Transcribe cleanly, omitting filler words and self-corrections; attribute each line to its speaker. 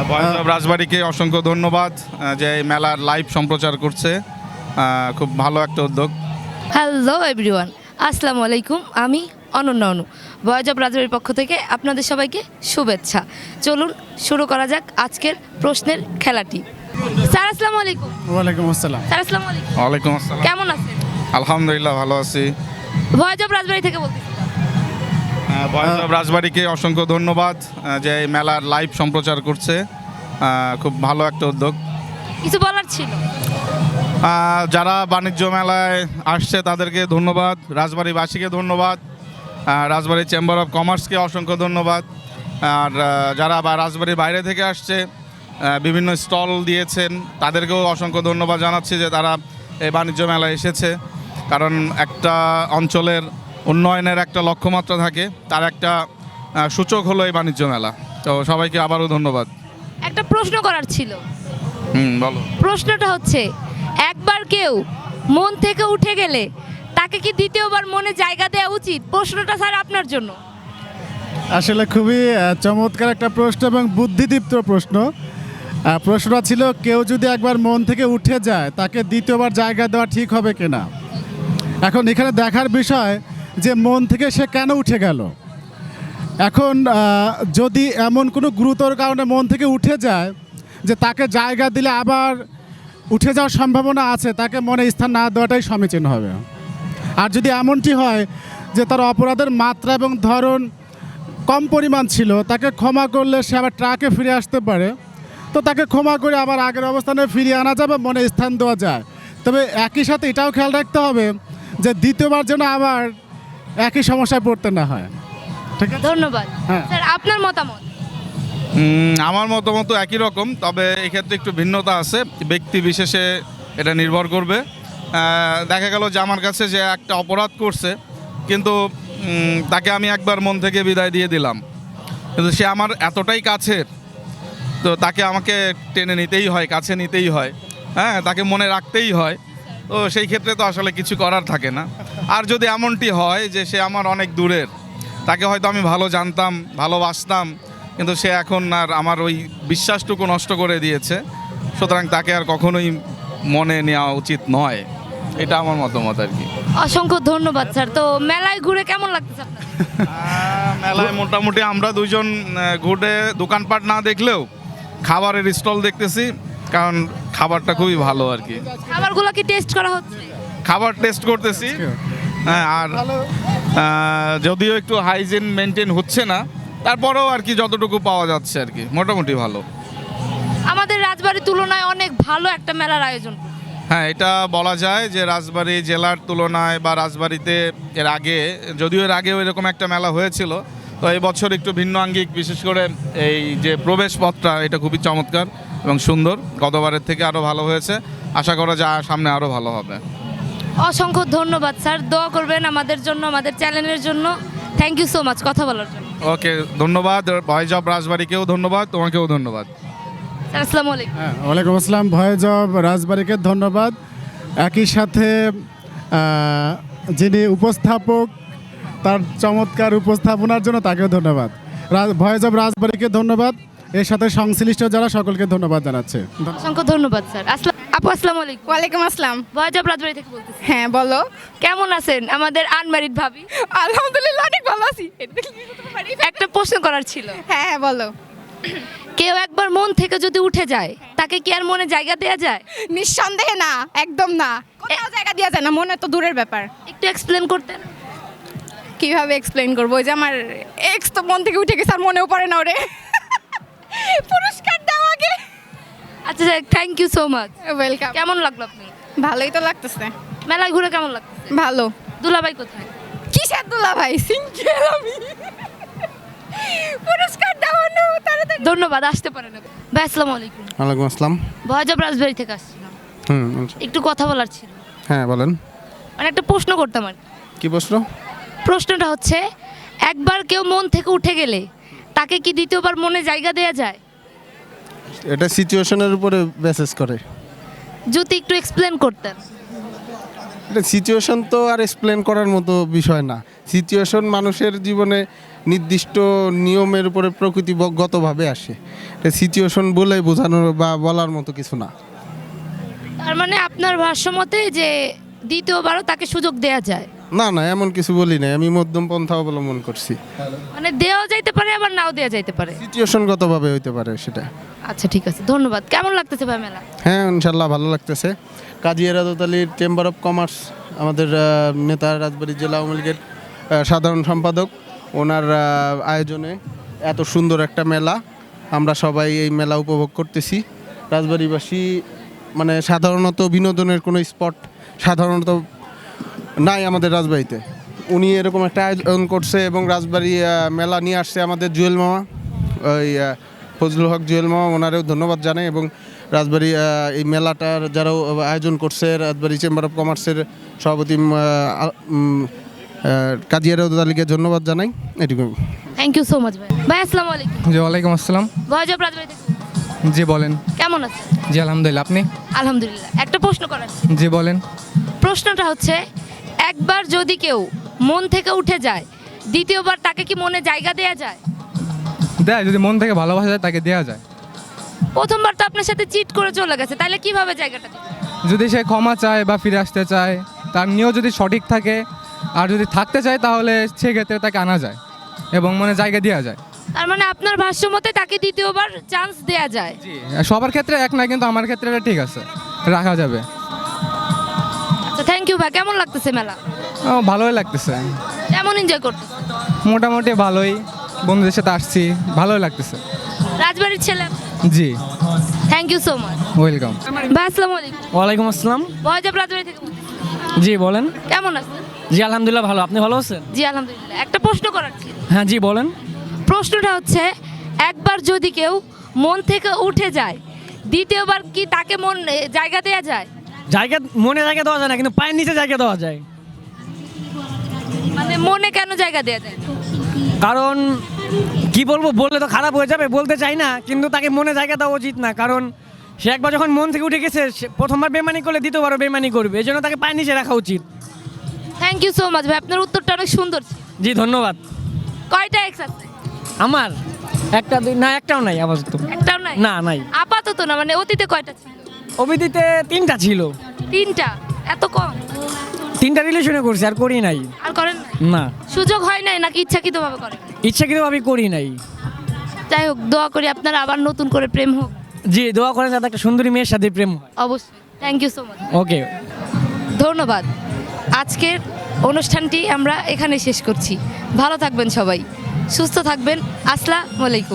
Speaker 1: Voice of রাজবাড়িকে অসংখ্য ধন্যবাদ যে এই মেলার লাইভ সম্প্রচার করছে। খুব ভালো একটা উদ্যোগ।
Speaker 2: হ্যালো এভরিওয়ান, আসসালামু আলাইকুম। আমি অনন্য অনু, ভয়েস অফ রাজবাড়ির পক্ষ থেকে আপনাদের সবাইকে শুভেচ্ছা। চলুন শুরু করা যাক আজকের প্রশ্নের খেলাটি। স্যার আসসালামু আলাইকুম।
Speaker 3: ওয়ালাইকুম আসসালাম।
Speaker 2: স্যার আসসালামু আলাইকুম।
Speaker 1: ওয়ালাইকুম আসসালাম।
Speaker 2: কেমন আছেন?
Speaker 1: আলহামদুলিল্লাহ ভালো আছি।
Speaker 2: ভয়েস অফ রাজবাড়ি থেকে বলতেছি।
Speaker 1: ভয়েস অফ রাজবাড়িকে অসংখ্য ধন্যবাদ যে এই মেলার লাইভ সম্প্রচার করছে। খুব ভালো একটা উদ্যোগ।
Speaker 2: কিছু বলার ছিল?
Speaker 1: যারা বাণিজ্য মেলায় আসছে তাদেরকে ধন্যবাদ, রাজবাড়িবাসীকে ধন্যবাদ, রাজবাড়ি চেম্বার অফ কমার্সকে অসংখ্য ধন্যবাদ। আর যারা রাজবাড়ির বাইরে থেকে আসছে, বিভিন্ন স্টল দিয়েছেন, তাদেরকেও অসংখ্য ধন্যবাদ জানাচ্ছি যে তারা এই বাণিজ্য মেলায় এসেছে। কারণ একটা অঞ্চলের উন্নয়নের একটা লক্ষ্যমাত্রা থাকে, তার একটা সূচক হলো এই বাণিজ্য মেলা। তো সবাইকে আবারও ধন্যবাদ।
Speaker 2: একটা প্রশ্ন করার ছিল।
Speaker 1: বলো।
Speaker 2: প্রশ্নটা হচ্ছে, একবার কেউ মন থেকে উঠে গেলে তাকে কি দ্বিতীয়বার মনে জায়গা দেওয়া উচিত? প্রশ্নটা স্যার আপনার জন্য।
Speaker 3: আসলে খুবই চমৎকার একটা প্রশ্ন এবং বুদ্ধিদীপ্ত প্রশ্ন। প্রশ্নটা ছিল, কেউ যদি একবার মন থেকে উঠে যায় তাকে দ্বিতীয়বার জায়গা দেওয়া ঠিক হবে কিনা। এখন এখানে দেখার বিষয় যে মন থেকে সে কেন উঠে গেল। এখন যদি এমন কোনো গুরুতর কারণে মন থেকে উঠে যায় যে তাকে জায়গা দিলে আবার উঠে যাওয়ার সম্ভাবনা আছে, তাকে মনে স্থান না দেওয়াটাই সমীচীন হবে। আর যদি এমনটি হয় যে তার অপরাধের মাত্রা এবং ধরন কম পরিমাণ ছিল, তাকে ক্ষমা করলে সে আবার ট্রাকে ফিরে আসতে পারে, তো তাকে ক্ষমা করে আবার আগের অবস্থানে ফিরিয়ে আনা যাবে, মনে স্থান দেওয়া যায়। তবে একই সাথে এটাও খেয়াল রাখতে হবে যে দ্বিতীয়বার যেন আবার একই সমস্যায় পড়তে না হয়। ঠিক আছে,
Speaker 2: ধন্যবাদ।
Speaker 3: হ্যাঁ।
Speaker 2: স্যার আপনার মতামত?
Speaker 1: আমার মতামত একই রকম, তবে এক্ষেত্রে একটু ভিন্নতা আছে। ব্যক্তি বিশেষে এটা নির্ভর করবে। দেখা গেল যে আমার কাছে যে একটা অপরাধ করছে, কিন্তু তাকে আমি একবার মন থেকে বিদায় দিয়ে দিলাম, কিন্তু সে আমার এতটাই কাছের, তো তাকে আমাকে টেনে নিতেই হয়, কাছে নিতেই হয়, হ্যাঁ, তাকে মনে রাখতেই হয়। তো সেই ক্ষেত্রে তো আসলে কিছু করার থাকে না। আর যদি এমনটি হয় যে সে আমার অনেক দূরের, তাকে হয়তো আমি ভালো জানতাম, ভালোবাসতাম, কিন্তু সে এখন আর আমার ওই বিশ্বাসটুকু নষ্ট করে দিয়েছে, সুতরাং তাকে আর কখনোই মনে নেওয়া উচিত নয়। এটা আমার মতামত আর কি।
Speaker 2: অসংখ্য ধন্যবাদ স্যার। তো মেলায় ঘুরে কেমন লাগতেছে আপনার?
Speaker 1: মেলায় মোটামুটি আমরা দুইজন ঘুরে দোকানপাট না দেখলেও খাবারের স্টল দেখতেছি, কারণ খাবারটা খুবই ভালো আর কি।
Speaker 2: খাবারগুলো কি টেস্ট করা হচ্ছে?
Speaker 1: খাবার টেস্ট করতেছি, হ্যাঁ। আর যদিও একটু হাইজিন মেনটেন হচ্ছে না, তারপরেও আর কি যতটুকু পাওয়া যাচ্ছে আর কি মোটামুটি ভালো।
Speaker 2: আমাদের রাজবাড়ির তুলনায় অনেক ভালো একটা মেলার আয়োজন।
Speaker 1: হ্যাঁ, এটা বলা যায় যে রাজবাড়ী জেলার তুলনায় বা রাজবাড়িতে এর আগে, যদিও এর আগেও এরকম একটা মেলা হয়েছিল, তো এই বছর একটু ভিন্ন আঙ্গিক। বিশেষ করে এই যে প্রবেশ পথটা, এটা খুবই চমৎকার এবং সুন্দর। গতবারের থেকে আরও ভালো হয়েছে, আশা করা যায় সামনে আরও ভালো হবে।
Speaker 2: অসংখ্য ধন্যবাদ স্যার। দোয়া করবেন আমাদের জন্য, আমাদের চ্যানেলের জন্য। থ্যাংক ইউ সো মাচ কথা বলার জন্য।
Speaker 1: ওকে, ধন্যবাদ। ভয়েস অফ রাজবাড়িকেও ধন্যবাদ, তোমাকেও ধন্যবাদ।
Speaker 2: স্যার আসসালামু আলাইকুম।
Speaker 3: হ্যাঁ, ওয়ালাইকুম আসসালাম। ভয়েস অফ রাজবাড়িকে ধন্যবাদ। একই সাথে যিনি উপস্থাপক, তার চমৎকার উপস্থাপনার জন্য তাকেও ধন্যবাদ। ভয়েস অফ রাজবাড়িকে ধন্যবাদ। এর সাথে সংশ্লিষ্ট যারা সকলকে ধন্যবাদ জানাচ্ছে।
Speaker 2: অসংখ্য ধন্যবাদ স্যার। আপু আসসালামু আলাইকুম।
Speaker 4: ওয়ালাইকুম আসসালাম।
Speaker 2: ভয়েস অফ রাজবাড়ি থেকে বলতেছি।
Speaker 4: হ্যাঁ বলো।
Speaker 2: কেমন আছেন আমাদের আনম্যারিড ভাবি?
Speaker 4: আলহামদুলিল্লাহ অনেক ভালো আছি।
Speaker 2: একটা প্রশ্ন করার ছিল।
Speaker 4: হ্যাঁ হ্যাঁ বলো।
Speaker 2: কেউ একবার মন থেকে যদি উঠে যায়, তাকে কি আর মনে জায়গা দেওয়া যায়?
Speaker 4: নিঃসন্দেহে না, একদম না। কোথাও জায়গা দেওয়া যায় না, মনে তো দূরের ব্যাপার।
Speaker 2: একটু এক্সপ্লেন করতেন?
Speaker 4: কিভাবে এক্সপ্লেইন করবো? ওই যে আমার এক্স তো মন থেকে উঠে গেছে, আর মনেও পড়ে না ওরে। পুরস্কার দাও আগে।
Speaker 2: আচ্ছা thank you so much.
Speaker 4: Welcome.
Speaker 2: কেমন লাগলো আপনি?
Speaker 4: ভালোই তো লাগতেছে।
Speaker 2: মেলায় ঘুরে কেমন লাগতেছে?
Speaker 4: ভালো।
Speaker 2: দুলাভাই কোথায়?
Speaker 4: কিসের দুলা ভাই? সিঙ্গেল আমি। পুরস্কার দাও না তাড়াতাড়ি।
Speaker 2: ধন্যবাদ, আসতে পারেন। ভাই আসসালামু আলাইকুম।
Speaker 5: ওয়ালাইকুম আসসালাম।
Speaker 2: ভয়েস অফ রাজবাড়ি থেকে আসছিলাম, একটু কথা বলার ছিল।
Speaker 5: হ্যাঁ বলেন।
Speaker 2: মানে একটা প্রশ্ন করতাম আর কি।
Speaker 5: কি প্রশ্ন?
Speaker 2: প্রশ্নটা হচ্ছে, একবার কেউ মন থেকে উঠে গেলে তাকে কি দ্বিতীয়বার মনে জায়গা দেওয়া যায়?
Speaker 5: এটা সিচুয়েশনের উপরে বেসিস করে।
Speaker 2: যদি একটু এক্সপ্লেন করতেন।
Speaker 5: এটা সিচুয়েশন তো আর এক্সপ্লেন করার মতো বিষয় না। সিচুয়েশন মানুষের জীবনে নির্দিষ্ট নিয়মের উপরে প্রকৃতিগতভাবে আসে। সিচুয়েশন বলে বোঝানোর বা বলার মতো কিছু না।
Speaker 2: তার মানে আপনার ভাষ্য মতে যে দ্বিতীয়বারও তাকে সুযোগ দেয়া যায়,
Speaker 5: না না, এমন কিছু বলি নাই, আমি মধ্যম পন্থা অবলম্বন করছি।
Speaker 2: মানে দেওয়া যাইতে পারে আবার নাও দেওয়া যাইতে পারে।
Speaker 5: সিচুয়েশনগতভাবে হইতে পারে সেটা।
Speaker 2: আচ্ছা ঠিক আছে, ধন্যবাদ। কেমন লাগতেছে ভাই মেলা?
Speaker 5: হ্যাঁ, ইনশাল্লাহ ভালো লাগতেছে। কাজী এরাদত আলীর চেম্বার অফ কমার্স, আমাদের নেতা, রাজবাড়ী জেলা আওয়ামী লীগের সাধারণ সম্পাদক, ওনার আয়োজনে এত সুন্দর একটা মেলা, আমরা সবাই এই মেলা উপভোগ করতেছি। রাজবাড়িবাসী মানে সাধারণত বিনোদনের কোনো স্পট সাধারণত নাই আমাদের রাজবাড়িতে। উনি এরকম একটা আয়োজন করছে এবং রাজবাড়ি মেলা নিয়ে আসছে আমাদের জুয়েল মামা, ওই ফজলুল হক জুয়েল মামা, ওনারেও ধন্যবাদ জানাই। এবং রাজবাড়ি এই মেলাটার যারাও আয়োজন করছে, রাজবাড়ি চেম্বার অফ কমার্সের সভাপতি কাজী এরাদত আলীকে ধন্যবাদ জানাই। এটুকু।
Speaker 2: থ্যাংক ইউ সো মাচ ভাই। ভাই আসসালামু আলাইকুম।
Speaker 6: জি ওয়ালাইকুম আসসালাম।
Speaker 2: ভয়জব রাজবাড়ি থেকে
Speaker 6: জি বলেন।
Speaker 2: কেমন আছেন?
Speaker 6: জি আলহামদুলিল্লাহ, আপনি?
Speaker 2: আলহামদুলিল্লাহ। একটা প্রশ্ন করার,
Speaker 6: জি বলেন।
Speaker 2: প্রশ্নটা হচ্ছে, একবার যদি কেউ মন থেকে উঠে যায়, দ্বিতীয়বার তাকে কি মনে জায়গা দেয়া যায়?
Speaker 6: দেয়, যদি মন থেকে ভালোবাসা যায় তাকে দেওয়া যায়।
Speaker 2: প্রথমবার তো আপনার সাথে চিট করে চলে গেছে, তাহলে কিভাবে জায়গাটা দিবে?
Speaker 6: যদি সে ক্ষমা চায় বা ফিরে আসতে চায়, তার নিয়েও যদি সঠিক থাকে আর যদি থাকতে চায়, তাহলে সেক্ষেত্রে তাকে আনা যায় এবং মনে জায়গা দেওয়া যায়।
Speaker 2: তার মানে আপনার ভাষ্য মতে তাকে দ্বিতীয়বার চান্স দেয়া যায়।
Speaker 6: জি, সবার ক্ষেত্রে এক না, কিন্তু আমার ক্ষেত্রে এটা ঠিক আছে, রাখা যাবে।
Speaker 2: আচ্ছা থ্যাংক ইউ ভাই। কেমন লাগতেছে মেলা?
Speaker 6: ভালোই লাগতেছে,
Speaker 2: কেমন এনজয় করতেছে?
Speaker 6: মোটামুটি ভালোই, বন্ধুদের সাথে আসছি, ভালোই লাগতেছে।
Speaker 2: রাজবাড়ির ছেলে।
Speaker 6: জি
Speaker 2: thank you so much.
Speaker 6: Welcome.
Speaker 2: ভাই আসসালামু আলাইকুম।
Speaker 7: ওয়ালাইকুম আসসালাম।
Speaker 2: ভয়জব রাজবাড়ি থেকে বলছি।
Speaker 7: জি বলেন।
Speaker 2: কেমন আছেন?
Speaker 7: জি আলহামদুলিল্লাহ ভালো, আপনি ভালো আছেন?
Speaker 2: জি আলহামদুলিল্লাহ। একটা প্রশ্ন করার ছিল।
Speaker 7: হ্যাঁ জি বলেন।
Speaker 2: প্রশ্নটা হচ্ছে, একবার যদি কেউ মন থেকে উঠে যায়, দ্বিতীয়বার কি তাকে জায়গা দেয়া যায়?
Speaker 7: জায়গা মনে জায়গা দেওয়া যায় না, কিন্তু পায়ের নিচে জায়গা দেওয়া যায়।
Speaker 2: মানে মনে কেন জায়গা দেয়া যায়?
Speaker 7: কারণ কি বলবো, বললে তো খারাপ হয়ে যাবে, বলতে চাই না, কিন্তু তাকে মনে জায়গা দেওয়া উচিত না। কারণ সে একবার যখন মন থেকে উঠে গেছে, সে প্রথমবার বেমানি করলে দ্বিতীয়বারও বেমানি করবে, এই জন্য তাকে পায়ের নিচে রাখা উচিত।
Speaker 2: থ্যাংক ইউ সো মাচ ভাই, আপনার উত্তরটা অনেক সুন্দর ছিল।
Speaker 7: জি ধন্যবাদ।
Speaker 2: কয়টা এক্স আছে?
Speaker 7: আমার একটা দুই না, একটাও নাই আপাতত।
Speaker 2: একটাও নাই?
Speaker 7: না নাই।
Speaker 2: আপাতত না, মানে অতীতে কয়টা ছিল?
Speaker 7: অভিদিতে 3টা ছিল।
Speaker 2: 3টা? এত কম?
Speaker 7: 3টা রিলেশনে করছি, আর করি নাই।
Speaker 2: আর করেন নাই?
Speaker 7: না,
Speaker 2: সুযোগ হয় নাই নাকি ইচ্ছাকৃতভাবে করেন?
Speaker 7: ইচ্ছাকৃতভাবে করি নাই।
Speaker 2: যাই হোক, দোয়া করি আপনার আবার নতুন করে প্রেম হোক।
Speaker 7: জি দোয়া করেন যাতে একটা সুন্দরী মেয়ের সাথে প্রেম হয়।
Speaker 2: অবশ্যই। Thank you so much.
Speaker 7: Okay,
Speaker 2: ধন্যবাদ। আজকের অনুষ্ঠানটি আমরা এখানে শেষ করছি। ভালো থাকবেন সবাই, সুস্থ থাকবেন। আসসালামু আলাইকুম।